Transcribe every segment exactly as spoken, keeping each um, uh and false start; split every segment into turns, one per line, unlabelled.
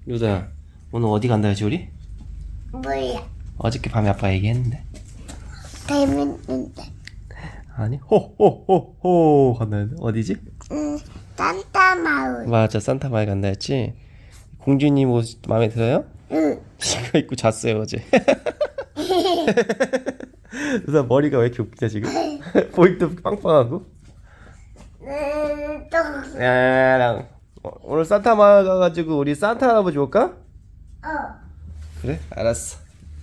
루다야, 오늘 어디 간다 했지 우리?
몰라.
어저께 밤에 아빠 얘기했는데.
재밌는데.
아니, 호호호호 간다 했는데. 어디지?
응, 산타 마을.
맞아, 산타 마을 간다 했지. 공주님 옷 마음에 들어요?
응.
이거 입고 잤어요 어제. 루다 머리가 왜 이렇게 웃기냐 지금? 보이도 빵빵하고.
음, 또.
야야야, 오늘 산타 마을 가가지고 우리 산타 할아버지 올까?
어.
그래? 알았어.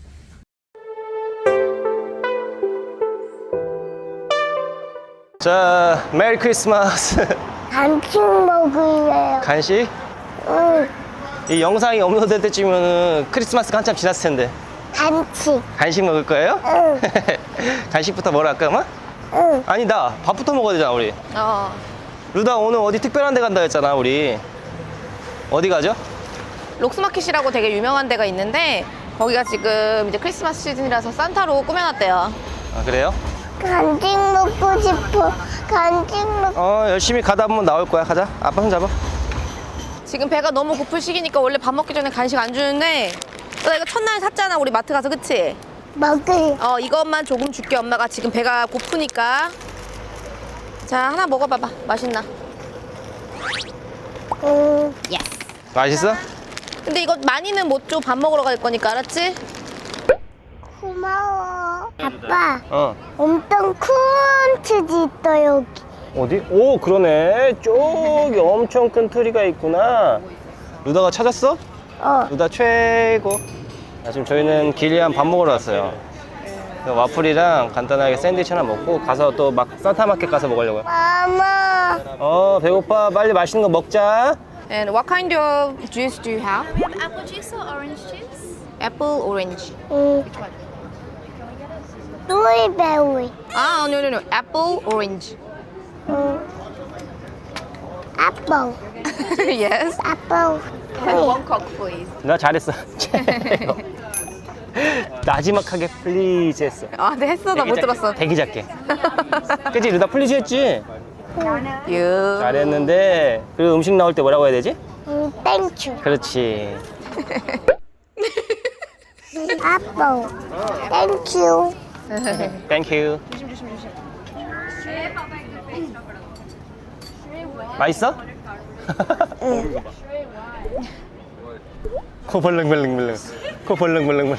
자, 메리 크리스마스.
간식 먹을래요.
간식?
응.
이 영상이 업로드 될 때쯤이면 크리스마스가 한참 지났을 텐데.
간식.
간식 먹을 거예요?
응.
간식부터 뭐라 할까, 아마?
응.
아니다, 밥부터 먹어야 되잖아 우리.
어.
루다 오늘 어디 특별한 데 간다 했잖아 우리. 어디 가죠?
록스마켓이라고 되게 유명한 데가 있는데 거기가 지금 이제 크리스마스 시즌이라서 산타로 꾸며놨대요.
아 그래요?
간식 먹고 싶어. 간식 먹.
어 열심히 가다 보면 나올 거야. 가자. 아빠 손 잡아.
지금 배가 너무 고플 시기니까 원래 밥 먹기 전에 간식 안 주는데 나 이거 첫날 샀잖아 우리 마트 가서, 그치?
먹을.
어 이것만 조금 줄게. 엄마가 지금 배가 고프니까. 자, 하나 먹어봐봐. 맛있나?
응.
예스.
맛있어?
근데 이거 많이는 못 줘. 밥 먹으러 갈 거니까, 알았지?
고마워. 아빠,
어.
엄청 큰 트지 있어 여기.
어디? 오 그러네. 저기 엄청 큰 트리가 있구나. 루다가 찾았어?
어.
루다 최고. 아, 지금 저희는 길리안 밥 먹으러 왔어요. 와플이랑 간단하게 샌드위치 하나 먹고 가서 또 막 산타마켓 가서 먹으려고요.
마마.
어 배고파. 빨리 맛있는 거 먹자.
And what kind of juice do you have?
We have apple juice or orange juice?
Apple, orange.
응. 루이베리.
아, no, no, no. Apple, orange.
응. 아빠.
yes.
아빠.
One coke, please.
나 잘했어. 나지막하게 플리즈 했어.
아, 네, 했어. 나 못 들었어.
되게 작게. 그치? 루다 플리즈 했지?
You.
잘했는데 그 음식 나올 때 뭐라고 해야 되지?
응, 땡큐.
그렇지.
아빠. 땡큐.
땡큐. 맛있어?
응.
코 벌렁벌렁벌렁. 코 벌렁벌렁벌렁.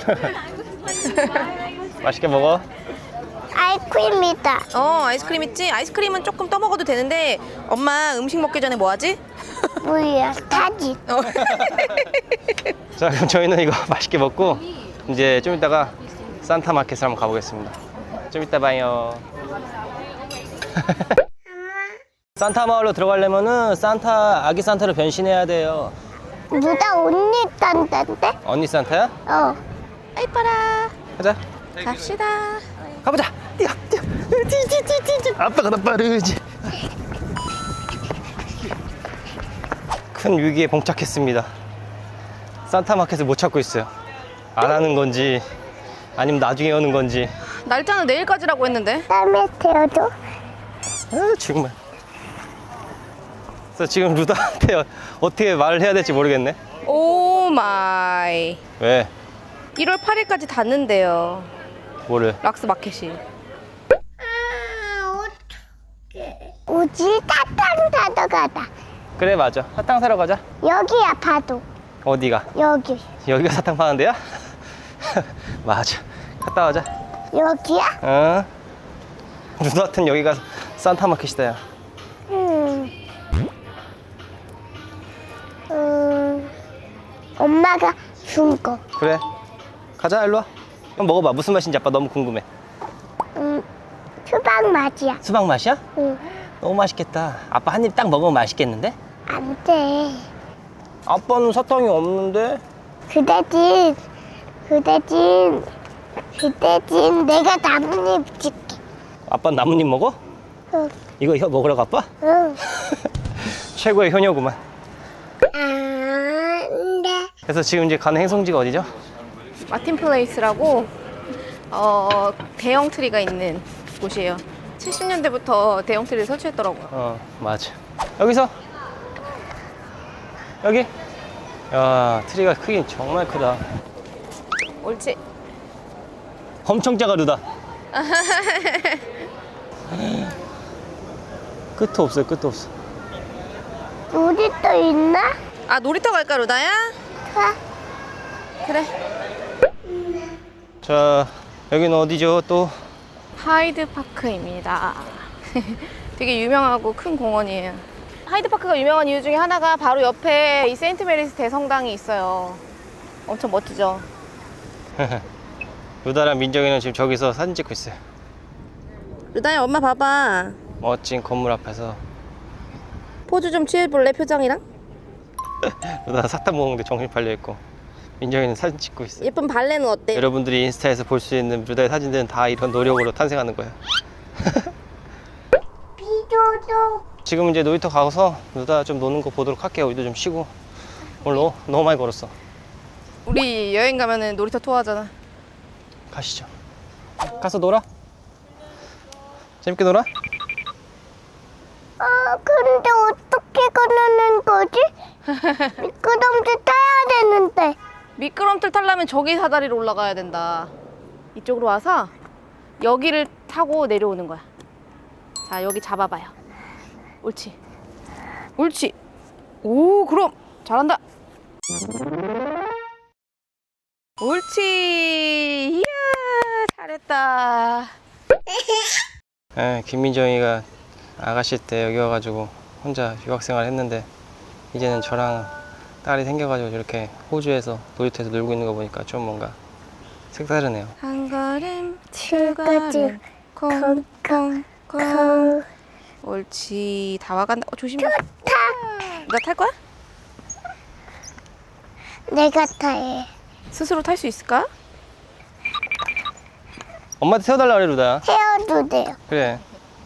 맛있게 먹어.
아이스크림이다.
어, 아이스크림 있지? 아이스크림은 조금 떠먹어도 되는데 엄마 음식 먹기 전에 뭐 하지?
뭐야? 타지.
어.
자 그럼 저희는 이거 맛있게 먹고 이제 좀 이따가 산타 마켓을 한번 가보겠습니다. 좀 이따 봐요. 산타 마을로 들어가려면은 산타 아기 산타로 변신해야 돼요.
누가 옷 입던데?
언니 산타야?
어.
이뻐라.
가자.
갑시다.
가보자. 뛰어 뛰어. 뛰뛰뛰뛰. 아빠가 더 빠르지. 큰 위기에 봉착했습니다. 산타 마켓을 못 찾고 있어요. 안 하는 건지 아니면 나중에 오는 건지.
날짜는 내일까지라고 했는데.
땀에 태워줘.
아, 정말. 그래서 지금 루다한테 어떻게 말을 해야 될지 모르겠네.
오 마이.
왜?
일월 팔일까지 닫는데요.
뭐를?
락스 마켓이.
아, 어떡해. 우지 사탕 사러 가다.
그래 맞아. 사탕 사러 가자.
여기야, 봐도.
어디가?
여기.
여기가 사탕 파는 데야? 맞아. 갔다 와자.
여기야?
어? 루다한테는 여기가 산타 마켓이다. 야.
음. 음. 엄마가 준 거.
그래. 가자 일로 와. 한번 먹어봐. 무슨 맛인지 아빠 너무 궁금해.
음. 수박 맛이야.
수박 맛이야?
응.
너무 맛있겠다. 아빠 한 입 딱 먹으면 맛있겠는데?
안 돼.
아빠는 사탕이 없는데?
그대진. 그대진. 그대진. 내가 나뭇잎 줄게.
아빠는 나뭇잎 먹어?
응.
이거 이거 먹으라고 아빠?
응.
최고의 효녀구만.
안 돼.
그래서 지금 이제 가는 행성지가 어디죠?
마틴 플레이스라고 어, 대형 트리가 있는 곳이에요. 칠십 년대부터 대형 트리를 설치했더라고요.
어 맞아. 여기서 여기 야, 트리가 크긴 정말 크다.
옳지.
엄청 작아, 루다. 끝도 없어요, 끝도 없어.
놀이터 있나?
아, 놀이터 갈까, 루다야?
가.
그래.
자, 여기는 어디죠, 또?
하이드파크입니다. 되게 유명하고 큰 공원이에요. 하이드파크가 유명한 이유 중에 하나가 바로 옆에 이 세인트 메리스 대성당이 있어요. 엄청 멋지죠?
루다랑 민정이는 지금 저기서 사진 찍고 있어요.
루다야, 엄마 봐봐.
멋진 건물 앞에서.
포즈 좀 취해볼래, 표정이랑?
루다 사탕 먹는데 정신 팔려있고, 민정이는 사진 찍고 있어요.
예쁜 발레는 어때?
여러분들이 인스타에서 볼 수 있는 루다의 사진들은 다 이런 노력으로 탄생하는 거예요.
비도도.
지금 이제 놀이터 가서 루다 좀 노는 거 보도록 할게요. 우리도 좀 쉬고. 오늘 너무, 너무 많이 걸었어.
우리 여행 가면은 놀이터 투어 하잖아.
가시죠. 가서 놀아. 재밌게 놀아?
아, 근데 어떻게 가는 거지? 미끄럼틀 타야 되는데.
미끄럼틀 타려면 저기 사다리로 올라가야 된다. 이쪽으로 와서 여기를 타고 내려오는 거야. 자, 여기 잡아봐요. 옳지. 옳지. 오, 그럼 잘한다. 옳지. 이야, 잘했다.
예, 김민정이가 아가씨 때 여기 와가지고 혼자 유학생활 했는데 이제는 저랑 딸이 생겨가지고 이렇게 호주에서 놀이터에서 놀고 있는 거 보니까 좀 뭔가 색다르네요.
한 걸음, 두 걸음, 콩콩콩.
그
옳지. 다 와간다. 어, 조심해.
타.
너 탈 거야?
내가 타해.
스스로 탈 수 있을까?
엄마한테 태워달라 그래, 루다야.
태워도 돼요.
그래.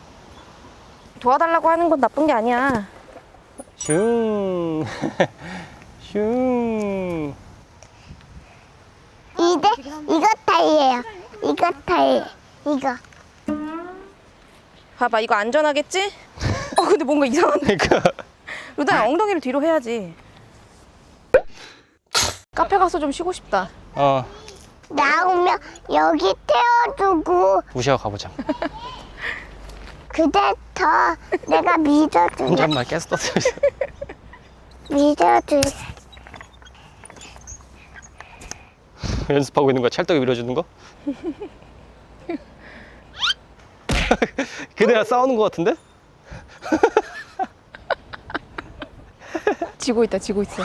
도와달라고 하는 건 나쁜 게 아니야.
슝. 슝.
이제 이거 타이에요. 이거 타이. 이거.
봐봐, 이거 안전하겠지? 어, 근데 뭔가 이상한데.
그러니까.
루다야, 엉덩이를 뒤로 해야지. 카페 가서 좀 쉬고 싶다.
어,
나오면 여기 태워두고
무시하고 가보자.
그대터 내가 믿어줄게.
혼잣말 계속 떠들고 있어.
믿어줄게.
연습하고 있는 거야? 찰떡이 밀어주는 거? 그대랑 싸우는 거 같은데?
지고 있다, 지고 있어.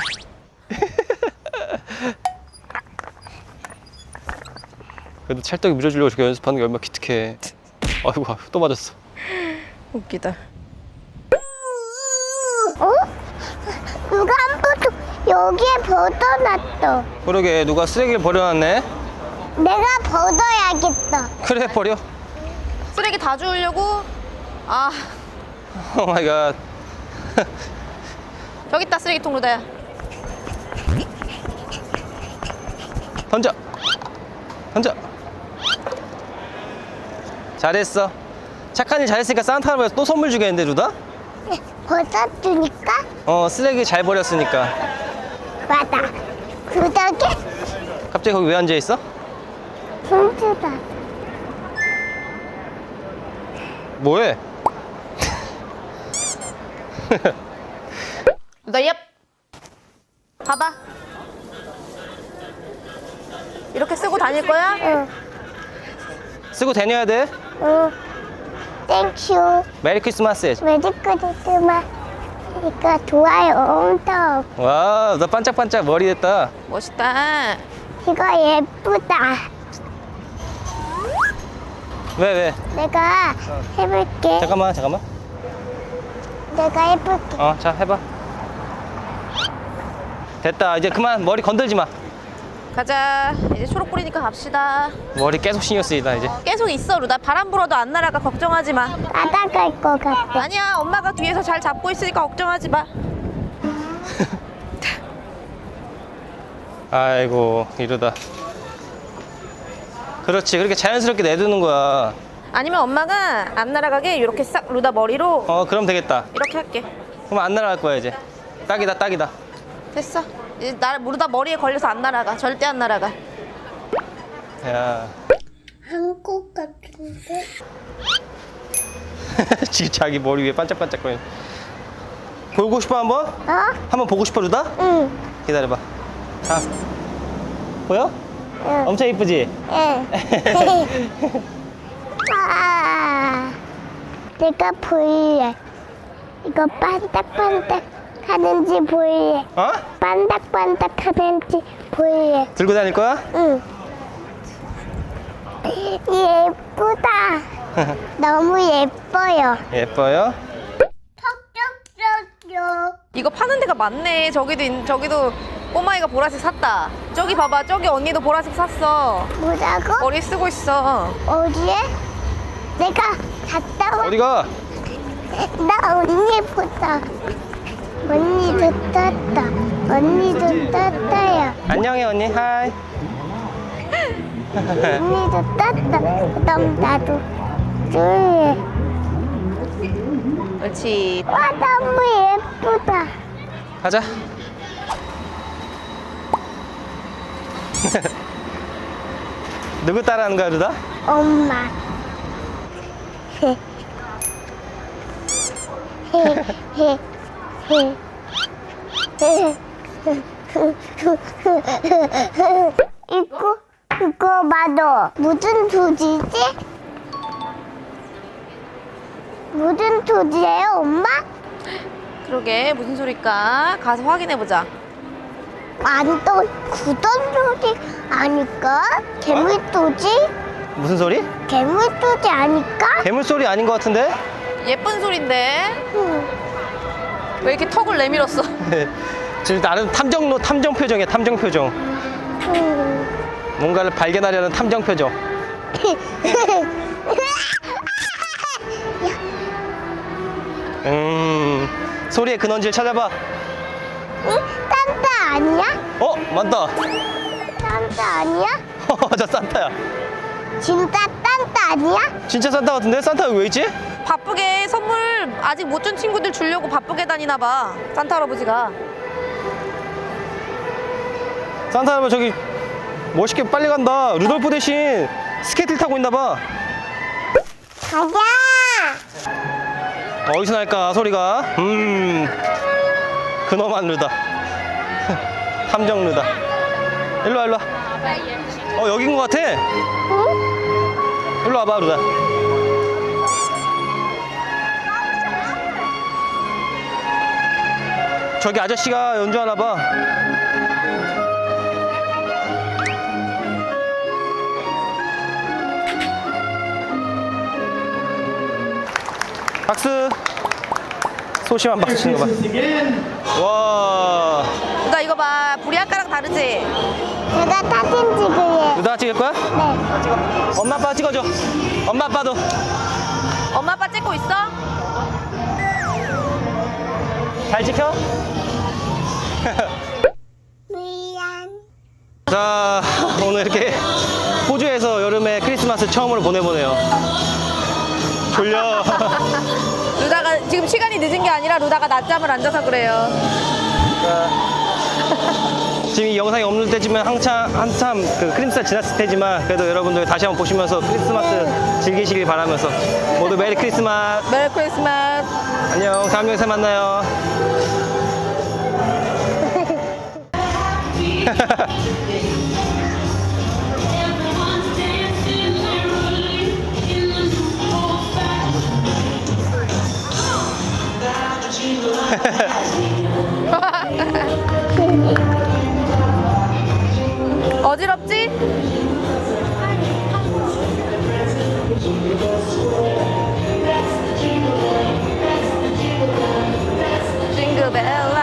그래도 찰떡이 밀어주려고 저렇게 연습하는 게 얼마나 기특해. 아이고, 또 맞았어.
웃기다.
어? 누가 한 번도 여기에 벗어놨어.
그러게, 누가 쓰레기를 버려놨네?
내가 벗어야겠다.
그래, 버려.
쓰레기 다 주우려고? 아,
오 마이 갓.
저기 있다, 쓰레기통. 루다야.
던져. 던져. 잘했어. 착한 일 잘했으니까 산타 할아버지가 또 선물 주겠는데, 루다?
벗어주니까
어, 쓰레기 잘 버렸으니까.
맞아. 그덕에
갑자기 거기 왜 앉아있어?
손주다.
뭐해?
루다, 얍. 봐봐. 이렇게 쓰고 다닐 거야?
응.
쓰고 다녀야 돼.
응. 땡큐.
메리 크리스마스.
메리 크리스마스. 이거 좋아요. 엄청.
와, 너 반짝반짝 머리 됐다.
멋있다.
이거 예쁘다.
왜, 왜?
내가 해볼게.
잠깐만, 잠깐만.
내가 해볼게.
어, 자, 해봐. 됐다. 이제 그만 머리 건들지 마.
가자. 이제 초록 뿌리니까 갑시다.
머리 계속 신경 쓰이다, 이제.
계속 있어, 루다. 바람 불어도 안 날아가. 걱정하지 마.
따라갈 것 같아.
아니야, 엄마가 뒤에서 잘 잡고 있으니까 걱정하지 마.
아이고, 이러다. 그렇지, 그렇게 자연스럽게 내두는 거야.
아니면 엄마가 안 날아가게 이렇게 싹 루다 머리로
어, 그럼 되겠다.
이렇게 할게.
그럼 안 날아갈 거야, 이제. 딱이다, 딱이다.
됐어. 이제 나 모르다 머리에 걸려서 안 날아가. 절대 안 날아가.
야.
한국 같은데?
지금 자기 머리 위에 반짝반짝거리는. 보고 싶어 한번?
어?
한번 보고 싶어 루다?
응.
기다려봐. 자. 보여?
응.
엄청 이쁘지?
응. 아, 내가 보일래. 이거 반짝반짝 하는지 보일래.
어?
반짝반짝 하는지 보일래.
들고 다닐 거야?
응. 예쁘다. 너무 예뻐요.
예뻐요?
톡톡톡톡.
이거 파는 데가 많네. 저기도 있- 저기도 꼬마이가 보라색 샀다. 저기 봐봐. 저기 언니도 보라색 샀어.
뭐라고?
머리 쓰고 있어.
어디에? 내가 갔다 와.
어디가?
나 언니 보다. 언니도 떴다. 언니도 떴다요.
안녕해 언니. 하이.
언니도 떴다. 그럼 나도 둘.
그렇지.
와 너무 예쁘다.
가자. 누구 따라하는 거야 루다?
엄마. 이거 이거 봐도 무슨 소리지? 무슨 소리예요, 엄마?
그러게 무슨 소릴까? 가서 확인해 보자.
완전 구던 소리 아닐까? 개물 소리?
무슨 소리?
개물 소리 아닐까?
괴물 소리 아닌 것 같은데?
예쁜 소린데
응.
왜 이렇게 턱을 내밀었어?
지금 나름 탐정로 탐정 표정이야 탐정 표정.
응.
뭔가를 발견하려는 탐정 표정. 음 소리의 근원지를 찾아봐.
응? 산타 아니야?
어 맞다.
산타 아니야?
저 산타야.
진짜 산타 아니야?
진짜 산타 같은데? 산타 여기 왜 있지?
바쁘게 선물 아직 못 준 친구들 주려고 바쁘게 다니나 봐. 산타 할아버지가.
산타 할아버지 저기 멋있게 빨리 간다. 루돌프 대신 스케이트를 타고 있나 봐.
가자.
어디서 날까 소리가? 음 그놈한 루다. 탐정 루다. 일로와 일로와. 어 여긴 것 같아.
응?
일로 와봐 루다. 저기 아저씨가 연주하나 봐. 박수. 소심한 박수 치는 거 봐. 와.
나 이거 봐. 불이 아까랑 다르지?
제가 사진 찍을래.
루다 찍을 거야?
네.
엄마 아빠 찍어줘. 엄마 아빠도.
엄마 아빠 찍고 있어?
잘 지켜.
미안.
자 오늘 이렇게 호주에서 여름에 크리스마스 처음으로 보내보네요. 졸려.
루다가 지금 시간이 늦은 게 아니라 루다가 낮잠을 안 자서 그래요.
지금 이 영상이 없는 때지만 한참 한참 그 크리스마스 지났을 때지만 그래도 여러분들 다시 한번 보시면서 크리스마스 즐기시길 바라면서 모두 메리 크리스마스.
메리 크리스마스.
안녕. 다음 영상에 만나요.
어지럽지? 징글벨라